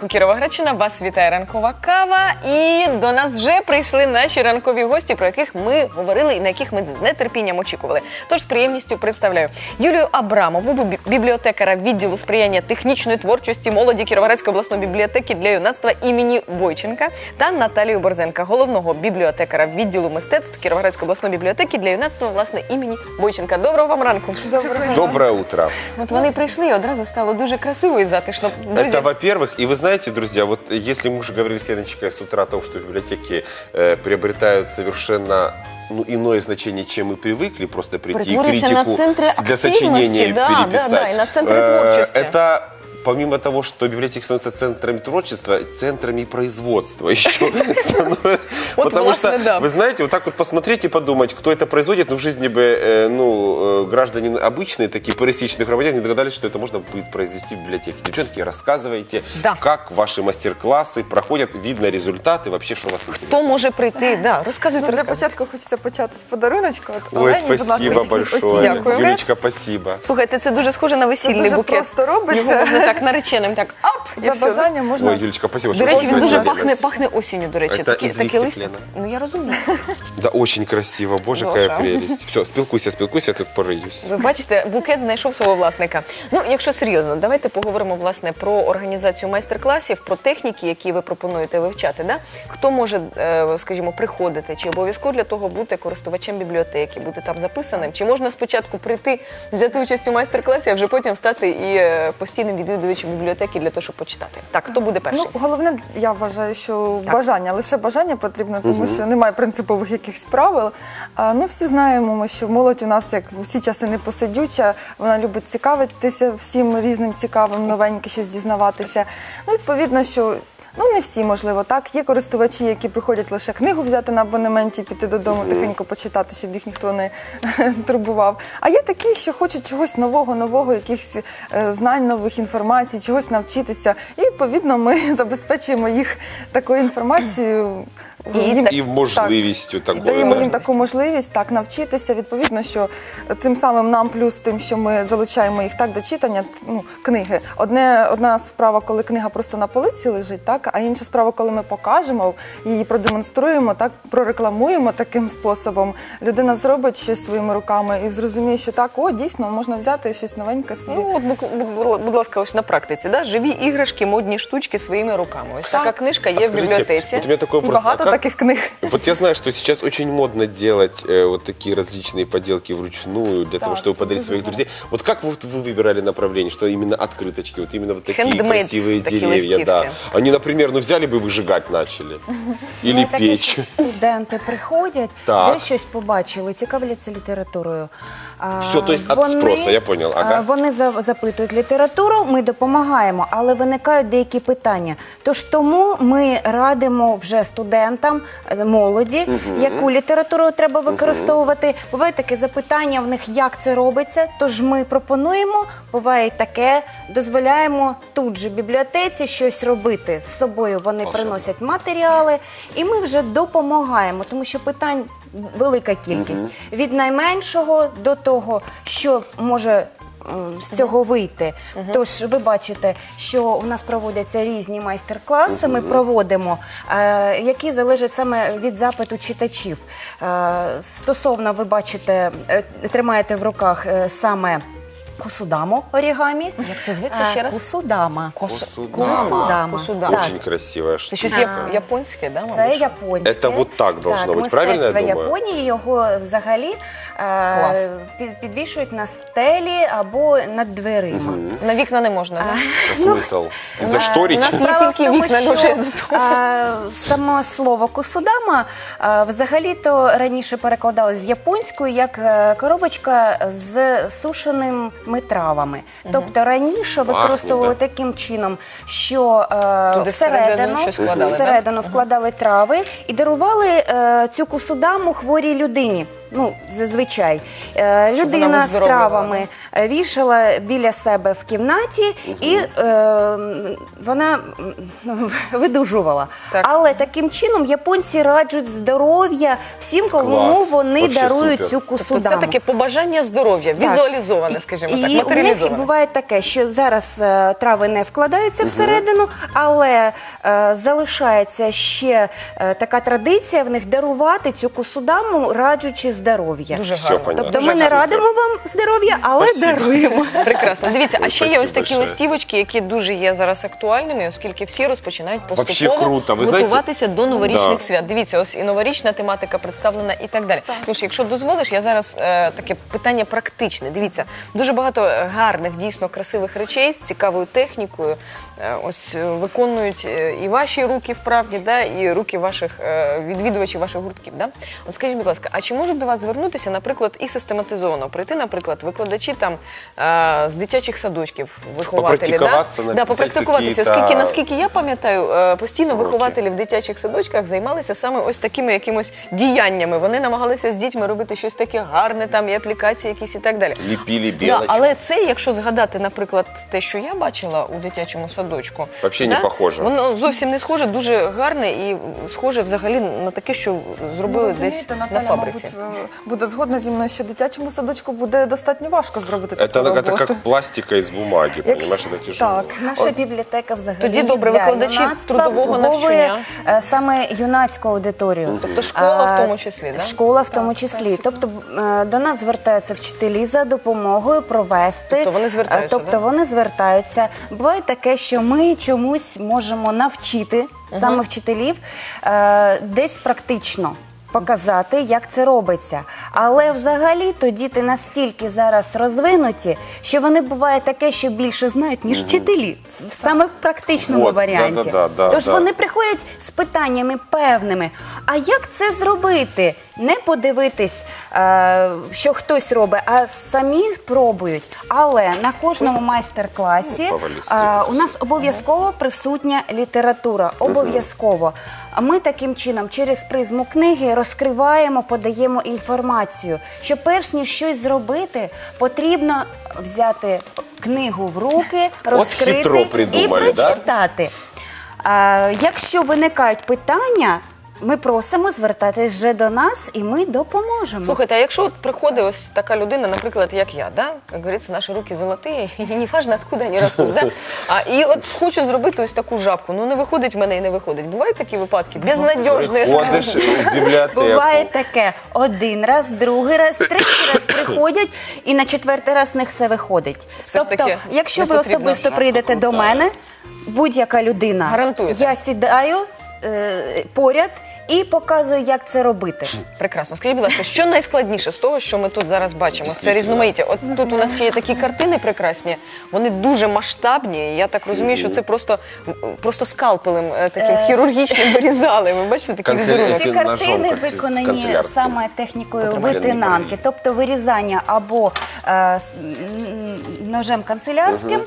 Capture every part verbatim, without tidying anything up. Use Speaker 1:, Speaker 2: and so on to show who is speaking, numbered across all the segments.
Speaker 1: ранку, Кіровоградщина, вас вітає ранкова кава. І до нас вже прийшли наші ранкові гості, про яких ми говорили і на яких ми з нетерпінням очікували. Тож з приємністю представляю Юлію Абрамову, бібліотекара відділу сприяння технічної творчості молоді Кіровоградської обласної бібліотеки для юнацтва імені Бойченка, та Наталію Борзенка, головного бібліотекара відділу мистецтв Кіровоградської обласної бібліотеки для юнацтва, власне, імені Бойченка. Доброго вам ранку.
Speaker 2: Доброго. Доброе утро.
Speaker 1: От вони прийшли, і одразу стало дуже красиво і затишно. Друзі.
Speaker 2: Это, во-первых, и вы знаете, друзья, вот если мы уже говорили с Леночкой с утра о том, что библиотеки э, приобретают совершенно ну, иное значение, чем мы привыкли, просто прийти и критику для сочинения
Speaker 1: да,
Speaker 2: переписать.
Speaker 1: Да, да, и на центры творчества.
Speaker 2: Это помимо того, что библиотеки становятся центрами творчества, центрами производства еще. Потому что, вы знаете, вот так вот посмотреть и подумать, кто это производит, ну, в жизни бы, ну, граждане обычные, такие пересечных громадян, не догадались, что это можно будет произвести в библиотеке. Девчонки, рассказывайте, как ваши мастер-классы проходят, видно результаты, вообще, что у вас интересно.
Speaker 1: Хто може прийти? Да, розказуйте,
Speaker 3: Для початку хочеться почати з подаруночка.
Speaker 2: Ой, спасибо большое.
Speaker 1: Дякую.
Speaker 2: Юлечка, спасибо.
Speaker 1: Слухайте, це дуже схоже на весільний букет.
Speaker 3: Це дуже просто робиться.
Speaker 1: Його можна так нареченим, так, ап, і
Speaker 3: За бажанням можна...
Speaker 2: Ой, Юлечка, спасибо.
Speaker 1: До речі, він дуже пахне, пахне осінню, до речі.
Speaker 2: Это
Speaker 1: Такі,
Speaker 2: из
Speaker 1: такі
Speaker 2: листьев,
Speaker 1: листя.
Speaker 2: Лена.
Speaker 1: Ну, я розумію.
Speaker 2: Да, очень красиво. Боже,
Speaker 1: Боже.
Speaker 2: какая прелесть. Все, спілкуйся, спілкуйся, я тут пориюсь.
Speaker 1: Ви бачите, букет знайшов свого власника. Ну, якщо серйозно, давайте поговоримо, власне, про організацію майстер-класів, про техніки, які ви пропонуєте вивчати. Да? Хто може, е, скажімо, приходити? Чи обов'язково для того бути користувачем бібліотеки, бути там записаним? Чи можна спочатку прийти, взяти участь у майстер-класі, а вже потім стати і е, постійним відвідувачем бібліотеки для того, щоб почитати? Так, хто буде перший?
Speaker 3: Ну, головне, я вважаю, що
Speaker 1: Так.
Speaker 3: бажання, лише бажання потрібно, тому що немає принципових якихось правил. А, ну, всі знаємо, ми, що молодь у нас, як в усі часи, не посидюча, вона любить цікавитися всім різним цікавим, новеньким щось дізнаватися. Ну, відповідно, що ну, не всі, можливо, так. Є користувачі, які приходять лише книгу взяти на абонементі, піти додому, тихенько почитати, щоб їх ніхто не турбував. А є такі, що хочуть чогось нового, нового, якихось е, знань, нових інформацій, чогось навчитися. І, відповідно, ми забезпечуємо їх такою інформацією.
Speaker 1: І,
Speaker 3: їм,
Speaker 2: І можливістю
Speaker 3: так,
Speaker 2: такою.
Speaker 3: даємо
Speaker 2: да.
Speaker 3: їм таку можливість так навчитися. Відповідно, що цим самим нам плюс тим, що ми залучаємо їх так до читання, ну, книги. Одне, одна справа, коли книга просто на полиці лежить, так, а інша справа, коли ми покажемо, її продемонструємо, так, прорекламуємо таким способом. Людина зробить щось своїми руками і зрозуміє, що так, о, дійсно, можна взяти щось новеньке собі.
Speaker 1: Ну, от, будь, будь ласка, ось на практиці, да? Живі іграшки, модні штучки своїми руками. Ось така книжка є
Speaker 2: А
Speaker 1: в
Speaker 2: скажите,
Speaker 1: бібліотеці.
Speaker 2: вот у меня такой
Speaker 3: І
Speaker 2: вопрос.
Speaker 3: багато
Speaker 2: А как-
Speaker 3: таких книг.
Speaker 2: Вот я знаю, что сейчас очень модно делать э, вот такие различные поделки вручную для того,
Speaker 3: Так,
Speaker 2: чтобы
Speaker 3: это
Speaker 2: подарить своих
Speaker 3: безумно.
Speaker 2: друзей. Вот как вы, вы выбирали направление, что именно открыточки, вот именно вот такие
Speaker 1: Handmade
Speaker 2: красивые
Speaker 1: такие
Speaker 2: деревья, да.
Speaker 1: листівки.
Speaker 2: Они, например, ну взяли бы выжигать начали или
Speaker 4: Ну, такі,
Speaker 2: печь.
Speaker 4: що студенти приходять,
Speaker 2: Так.
Speaker 4: де щось побачили, цікавляться літературою. А,
Speaker 2: Все, то есть от спроса, я понял.
Speaker 4: а,
Speaker 2: Ага.
Speaker 4: Вони за- запитують літературу, ми допомагаємо, але виникають деякі питання. Тож тому ми радимо вже студентам, е, молоді, яку літературу треба використовувати. Бувають такі запитання в них, як це робиться, тож ми пропонуємо, буває таке, дозволяємо тут же в бібліотеці щось робити з собою. Вони
Speaker 2: Волшебно.
Speaker 4: приносять матеріали, і ми вже допомагаємо, тому що питань велика кількість. Від найменшого до того, що може м, з цього вийти. Тож ви бачите, що у нас проводяться різні майстер-класи, ми проводимо, е, які залежать саме від запиту читачів. Е, стосовно, ви бачите, е, тримаєте в руках е, саме кусудаму орігамі.
Speaker 1: Як це зветься ще раз?
Speaker 4: Кусудама.
Speaker 2: Кусудама.
Speaker 4: Кусудама.
Speaker 1: Кусудама.
Speaker 2: Очень красивая
Speaker 1: Це
Speaker 2: штука.
Speaker 1: щось яп- японське, да, мабуть?
Speaker 4: Це японське.
Speaker 2: Це вот так должно бути, правильно я
Speaker 4: мистецтво
Speaker 2: думаю?
Speaker 4: Японії, його взагалі
Speaker 1: Клас.
Speaker 4: е, під- підвішують на стелі або над дверима.
Speaker 1: На вікна не можна, да?
Speaker 2: А смисл?
Speaker 1: у
Speaker 2: Зашторить?
Speaker 1: нас є
Speaker 4: Справа
Speaker 1: тільки
Speaker 4: в тому,
Speaker 1: вікна,
Speaker 4: що,
Speaker 1: дуже до того.
Speaker 4: е, Само слово кусудама е, взагалі-то раніше перекладалось з японської як е, коробочка з сушеними травами. Тобто раніше використовували
Speaker 2: да.
Speaker 4: таким чином, що е,
Speaker 1: Туди всередину
Speaker 4: всередину,
Speaker 1: щось вкладали,
Speaker 4: всередину вкладали трави і дарували е, цю кусудаму хворій людині. Ну, зазвичай. Е,
Speaker 1: Щоб вона
Speaker 4: Людина з
Speaker 1: виздоровлювала,
Speaker 4: травами е, вішала біля себе в кімнаті і е, вона м, ну, видужувала.
Speaker 1: Так.
Speaker 4: Але таким чином японці раджуть здоров'я всім, кому
Speaker 2: Клас.
Speaker 4: вони
Speaker 2: Вообще
Speaker 4: дарують
Speaker 2: супер.
Speaker 4: цю
Speaker 1: Тобто
Speaker 4: кусудаму.
Speaker 1: це таке побажання здоров'я,
Speaker 4: Так.
Speaker 1: візуалізоване, скажімо
Speaker 4: і,
Speaker 1: так,
Speaker 4: і у них
Speaker 1: матеріалізоване.
Speaker 4: буває таке, що зараз е, трави не вкладаються всередину, але е, залишається ще е, така традиція в них дарувати цю кусудаму, раджучи здоров'я.
Speaker 1: Дуже
Speaker 2: Все
Speaker 1: гарно.
Speaker 2: понятно.
Speaker 4: Тобто
Speaker 1: Дуже
Speaker 4: ми не
Speaker 1: гарно.
Speaker 4: радимо вам здоров'я, але
Speaker 2: Спасибо.
Speaker 4: даруємо.
Speaker 1: Прекрасно. Дивіться, а
Speaker 2: Ой,
Speaker 1: ще є
Speaker 2: спасибо
Speaker 1: ось такі
Speaker 2: большое.
Speaker 1: листівочки, які дуже є зараз актуальними, оскільки всі розпочинають
Speaker 2: Вообще
Speaker 1: поступово
Speaker 2: круто. Ви знаєте-
Speaker 1: готуватися до новорічних
Speaker 2: Да.
Speaker 1: свят. Дивіться, ось і новорічна тематика представлена і так далі. Тож, якщо дозволиш, я зараз е, таке питання практичне. Дивіться, дуже багато гарних, дійсно красивих речей з цікавою технікою. е, Ось е, виконують е, і ваші руки вправді, да, і руки ваших е, відвідувачів ваших гуртків. Да? От скажіть, будь ласка, а чи можуть до вас звернутися, наприклад, і систематизовано прийти, наприклад, викладачі там е, з дитячих садочків, вихователі,
Speaker 2: Попрактикуватися,
Speaker 1: да?
Speaker 2: на-
Speaker 1: Да,
Speaker 2: взяти
Speaker 1: попрактикуватися,
Speaker 2: какие-то
Speaker 1: оскільки, наскільки я пам'ятаю, е, постійно
Speaker 2: уроки.
Speaker 1: вихователі в дитячих садочках займалися саме ось такими якимось діяннями. Вони намагалися з дітьми робити щось таке гарне, там і аплікації якісь і так далі.
Speaker 2: Ліпили
Speaker 1: Да,
Speaker 2: білочку.
Speaker 1: але це, якщо згадати, наприклад, те, що я бачила у дитячому садочку,
Speaker 2: Вообще не похоже.
Speaker 1: Воно зовсім не схоже, дуже гарне і схоже взагалі на таке, що зробили
Speaker 3: Ну,
Speaker 1: десь
Speaker 3: розумієте,
Speaker 1: на
Speaker 3: Наталя,
Speaker 1: фабриці.
Speaker 3: мабуть, е, буде згодна зі мною, що дитячому садочку буде достатньо важко зробити
Speaker 2: Это,
Speaker 3: таку
Speaker 2: это
Speaker 3: роботу.
Speaker 2: как пластика из бумаги,
Speaker 3: Як-
Speaker 2: понимаешь, это тяжело.
Speaker 3: Так.
Speaker 4: Наша бібліотека взагалі
Speaker 1: Тоді добре,
Speaker 4: для
Speaker 1: викладачі
Speaker 4: юнацтва
Speaker 1: трудового
Speaker 4: обслуговує,
Speaker 1: навчання.
Speaker 4: е, саме юнацьку аудиторію.
Speaker 1: Тобто школа в
Speaker 4: А,
Speaker 1: тому числі, да?
Speaker 4: Школа в тому числі. Тобто е, до нас звертаються вчителі за допомогою провести.
Speaker 1: Тобто вони звертаються,
Speaker 4: Е, Тобто
Speaker 1: да?
Speaker 4: вони звертаються. Буває таке, що ми чомусь можемо навчити саме вчителів е, десь практично. Показати, як це робиться. Але взагалі то діти настільки зараз розвинуті, що вони буває таке, що більше знають, ніж вчителі. Саме в практичному
Speaker 2: Вот,
Speaker 4: варіанті.
Speaker 2: да-да-да,
Speaker 4: Тож
Speaker 2: да.
Speaker 4: вони приходять з питаннями певними. А як це зробити? Не подивитись, е, що хтось робить, а самі пробують. Але на кожному майстер-класі
Speaker 2: Ну, повалістів.
Speaker 4: е, у нас обов'язково присутня література. Обов'язково. А ми таким чином через призму книги розкриваємо, подаємо інформацію, що перш ніж щось зробити, потрібно взяти книгу в руки, розкрити
Speaker 2: хитро
Speaker 4: і
Speaker 2: придумали, да?
Speaker 4: прочитати. А, якщо виникають питання, ми просимо звертатись вже до нас, і ми допоможемо.
Speaker 1: Слухайте, а якщо от приходить ось така людина, наприклад, як я, да? Як говориться, наші руки золоті, і не важно, откуда вони ростуть, да? А, і от хочу зробити ось таку жабку, ну не виходить в мене і не виходить. Бувають такі випадки? Безнадіжні.
Speaker 2: Ходиш в бібліотеку.
Speaker 4: Буває таке. Один раз, другий раз, третій раз приходять, і на четвертий раз в них все виходить.
Speaker 1: Все ж
Speaker 4: тобто,
Speaker 1: таки
Speaker 4: якщо
Speaker 1: не
Speaker 4: ви
Speaker 1: потрібно.
Speaker 4: особисто
Speaker 2: Шапка
Speaker 4: прийдете до
Speaker 2: крута.
Speaker 4: мене, будь-яка людина,
Speaker 1: Гарантуєте?
Speaker 4: я сідаю е, поряд і показую, як це робити.
Speaker 1: Прекрасно. Скажіть, будь ласка, що найскладніше з того, що ми тут зараз бачимо? Це
Speaker 2: Дійсно.
Speaker 1: різноманіття. От тут у нас ще є такі картини прекрасні, вони дуже масштабні. і Я так розумію, що це просто, просто скалпелем е, таким хірургічним вирізали. Ви бачите такі
Speaker 2: Канцелярі.
Speaker 1: візерунки?
Speaker 4: Ці
Speaker 2: Ці ножом,
Speaker 4: картини
Speaker 2: як ці
Speaker 4: виконані
Speaker 2: канцелярські.
Speaker 4: саме технікою
Speaker 2: Потрібно
Speaker 4: витинанки,
Speaker 2: лінійки.
Speaker 4: тобто вирізання або е, с- м, ножем канцелярським,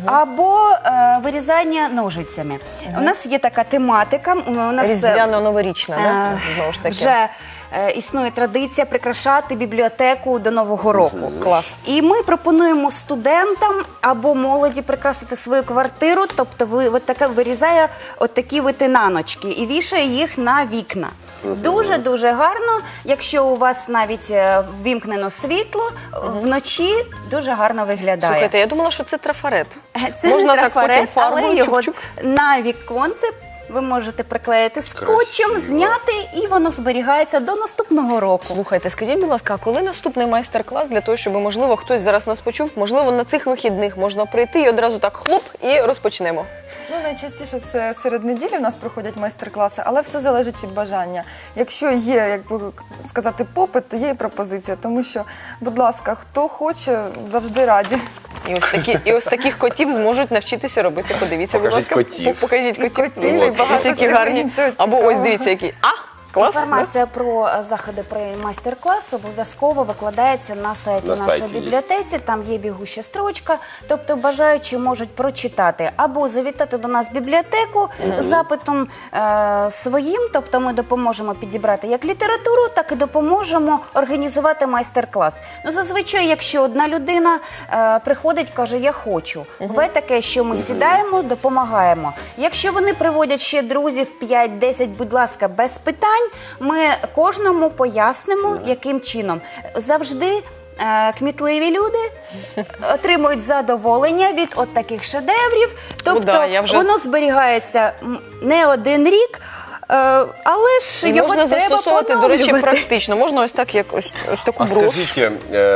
Speaker 4: або е, вирізання ножицями. У нас є така тематика. У нас е,
Speaker 1: Різдвяно-новорічна, да?
Speaker 4: Е,
Speaker 1: Знову ж таки.
Speaker 4: Вже е, існує традиція прикрашати бібліотеку до Нового року.
Speaker 1: Клас.
Speaker 4: І ми пропонуємо студентам або молоді прикрасити свою квартиру, тобто ви, от таке вирізає от такі витинаночки і вішає їх на вікна. Дуже-дуже гарно, якщо у вас навіть е, ввімкнено світло, вночі дуже гарно виглядає.
Speaker 1: Слухайте, я думала, що це трафарет.
Speaker 4: Це
Speaker 1: Можна
Speaker 4: не
Speaker 1: так
Speaker 4: трафарет,
Speaker 1: потім фарбою,
Speaker 4: але його
Speaker 1: чук-чук.
Speaker 4: на віконце ви можете приклеїти скотчем,
Speaker 2: Красиво.
Speaker 4: зняти, і воно зберігається до наступного року.
Speaker 1: Слухайте, скажіть, будь ласка, а коли наступний майстер-клас для того, щоб, можливо, хтось зараз нас почув, можливо, на цих вихідних можна прийти і одразу так хлоп і розпочнемо.
Speaker 3: Ну, найчастіше це серед неділі у нас проходять майстер-класи, але все залежить від бажання. Якщо є, як би сказати, попит, то є і пропозиція. Тому що, будь ласка, хто хоче, завжди раді.
Speaker 1: І ось такі, і ось таких котів зможуть навчитися робити. Подивіться, будь
Speaker 2: Покажіть
Speaker 1: ласка,
Speaker 2: котів.
Speaker 1: покажіть котів.
Speaker 3: котів,
Speaker 1: Ну,
Speaker 3: і
Speaker 1: от,
Speaker 3: багато
Speaker 1: ці які
Speaker 3: всього
Speaker 1: гарні.
Speaker 3: іншого
Speaker 1: Або ось
Speaker 3: цікавого.
Speaker 1: дивіться, який. А! Клас,
Speaker 4: Інформація про е, заходи про майстер-клас обов'язково викладається на сайті
Speaker 2: На
Speaker 4: нашої
Speaker 2: сайті є.
Speaker 4: бібліотеці. Там є бігуща строчка. Тобто бажаючі можуть прочитати або завітати до нас в бібліотеку з запитом е, своїм. Тобто ми допоможемо підібрати як літературу, так і допоможемо організувати майстер-клас. Ну, зазвичай, якщо одна людина е, приходить, каже, я хочу. Буває таке, що ми сідаємо, допомагаємо. Якщо вони приводять ще друзів п'ять-десять, будь ласка, без питань, ми кожному пояснимо, яким чином. Завжди е, кмітливі люди отримують задоволення від от таких шедеврів. Тобто
Speaker 1: да, я вже-
Speaker 4: воно зберігається м, не один рік, е, але ж
Speaker 1: І
Speaker 4: його
Speaker 1: можна
Speaker 4: треба
Speaker 1: застосовувати, до речі,
Speaker 4: поновлювати.
Speaker 1: практично. Можна ось так, як ось, ось таку
Speaker 2: А
Speaker 1: брошку.
Speaker 2: скажите,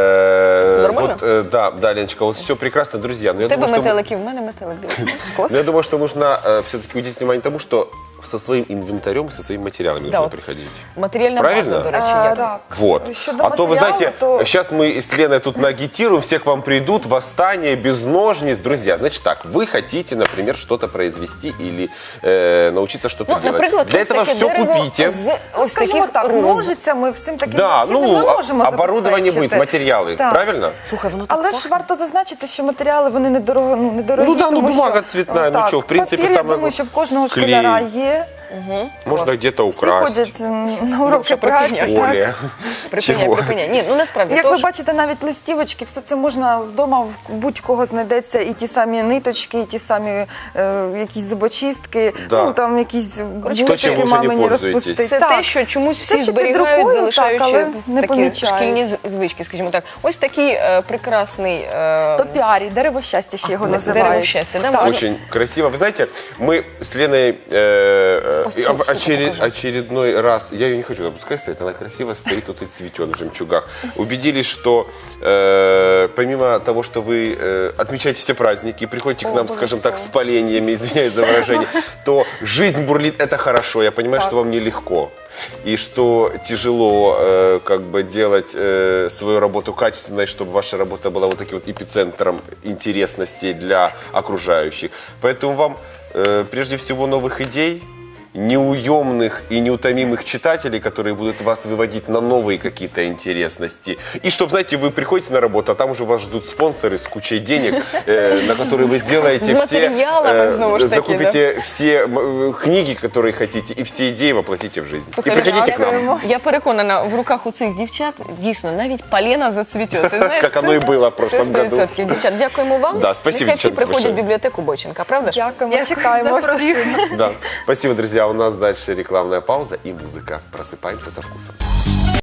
Speaker 2: э,
Speaker 1: Нормально?
Speaker 2: вот, э, да, да, Леночка, вот все прекрасно, друзья. Но я
Speaker 1: У тебе
Speaker 2: думаю, что,
Speaker 1: метелики, в мене метелик. Клас.
Speaker 2: но я думаю, что нужно э, все-таки уделить внимание тому, что со своим инвентарем, со своими материалами
Speaker 1: Да,
Speaker 2: нужно
Speaker 1: вот.
Speaker 2: приходить.
Speaker 1: Матеріальна
Speaker 2: Правильно?
Speaker 1: база, до речі,
Speaker 3: Е,
Speaker 1: як.
Speaker 3: так.
Speaker 2: Вот.
Speaker 3: Щодо
Speaker 2: А то, вы
Speaker 3: матеріалу,
Speaker 2: знаете,
Speaker 3: то-
Speaker 2: сейчас мы с Леной тут нагитируем, все к вам придут, восстание, без ножниц. Друзья, значит так, вы хотите, например, что-то произвести или э, научиться что-то
Speaker 1: Ну,
Speaker 2: делать.
Speaker 1: наприклад,
Speaker 2: Для
Speaker 1: ось
Speaker 2: этого
Speaker 1: таке
Speaker 2: все
Speaker 1: дерево
Speaker 2: купите.
Speaker 1: з ось
Speaker 3: Скажімо
Speaker 1: таких
Speaker 3: так,
Speaker 1: роз.
Speaker 3: ножицями, всім таким
Speaker 2: Да,
Speaker 3: необхідним
Speaker 2: ну,
Speaker 3: ми можемо
Speaker 2: оборудование будет,
Speaker 3: забезпечити.
Speaker 2: материалы,
Speaker 3: Так.
Speaker 2: правильно?
Speaker 1: Слухай, воно так
Speaker 3: Але ж
Speaker 1: пахне.
Speaker 3: варто зазначити, що матеріали вони недорого, ну, недорогі.
Speaker 2: Ну да, ну,
Speaker 3: тому
Speaker 2: бумага
Speaker 3: що,
Speaker 2: цветная, ну
Speaker 3: так,
Speaker 2: чё, в принципе,
Speaker 3: папір, я
Speaker 2: самое
Speaker 3: думаю, що в кожного
Speaker 2: клей.
Speaker 3: школяра є.
Speaker 2: Можно где-то
Speaker 3: Всі
Speaker 2: украсть.
Speaker 3: ходять м, на уроки
Speaker 1: що
Speaker 3: праці.
Speaker 1: припиняй.
Speaker 3: так.
Speaker 2: Поле.
Speaker 1: Припиняй,
Speaker 2: Чего?
Speaker 1: припиняй. Ні, ну насправді.
Speaker 3: Як
Speaker 1: тож-
Speaker 3: ви бачите, навіть листівочки, все це можна вдома, в будь-кого знайдеться і ті самі ниточки, і ті самі е, якісь зубочистки,
Speaker 2: Да.
Speaker 3: ну там якісь
Speaker 2: то, чим
Speaker 3: бусики
Speaker 2: ви вже не
Speaker 3: мамині
Speaker 2: пользуєтесь.
Speaker 3: розпустити.
Speaker 1: Це
Speaker 3: Так.
Speaker 1: те, що чомусь
Speaker 3: Все,
Speaker 1: всі
Speaker 3: що під
Speaker 1: зберігають,
Speaker 3: рукою,
Speaker 1: залишаючи
Speaker 3: так, але не
Speaker 1: такі
Speaker 3: помічають.
Speaker 1: шкільні з- звички, скажімо так. Ось такий е, прекрасний е,
Speaker 3: Топіарій, дерево щастя ще його називають.
Speaker 1: дерево щастя. Да?
Speaker 3: Так.
Speaker 1: Можна-
Speaker 2: Очень красиво. Вы знаете, мы с Леной э, э,
Speaker 1: Ось цю
Speaker 2: об-
Speaker 1: штуку
Speaker 2: очеред-
Speaker 1: покажи.
Speaker 2: очередной раз, я ее не хочу, пускай стоит, она красиво стоит, тут и цветет в жемчугах. Убедились, что э, помимо того, что вы э, отмечаете все праздники, приходите к нам, скажем так, с поленьями, извиняюсь за выражение, то жизнь бурлит, это хорошо. Я понимаю, что вам нелегко. И что тяжело э, как бы делать э, свою работу качественной, чтобы ваша работа была вот таким вот эпицентром интересностей для окружающих. Поэтому вам э, прежде всего новых идей, неуемных и неутомимых читателей, которые будут вас выводить на новые какие-то интересности. И чтобы, знаете, вы приходите на работу, а там уже вас ждут спонсоры с кучей денег, э, на которые вы сделаете
Speaker 1: С
Speaker 2: все,
Speaker 1: материалами, снова ж таки,
Speaker 2: закупите все м, э, книги, которые хотите, и все идеи воплотите в жизнь.
Speaker 1: Слухай,
Speaker 2: и приходите к нам.
Speaker 3: дякуємо.
Speaker 1: Я переконана, в руках у цих дівчат дійсно навіть полена зацвіте. Ти знаєш,
Speaker 2: Как оно и было в прошлом
Speaker 1: це сто
Speaker 2: году.
Speaker 1: відсотків. Дівчат, дякуємо вам.
Speaker 2: Да, спасибо,
Speaker 1: Нехай всі
Speaker 2: дівчата,
Speaker 1: приходять в
Speaker 2: большое.
Speaker 1: бібліотеку Бойченка, правда ж?
Speaker 3: Дякуємо, чекаємо всіх.
Speaker 2: Да. Спасибо, друзья. У нас дальше рекламная пауза и музыка. Просыпаемся со вкусом.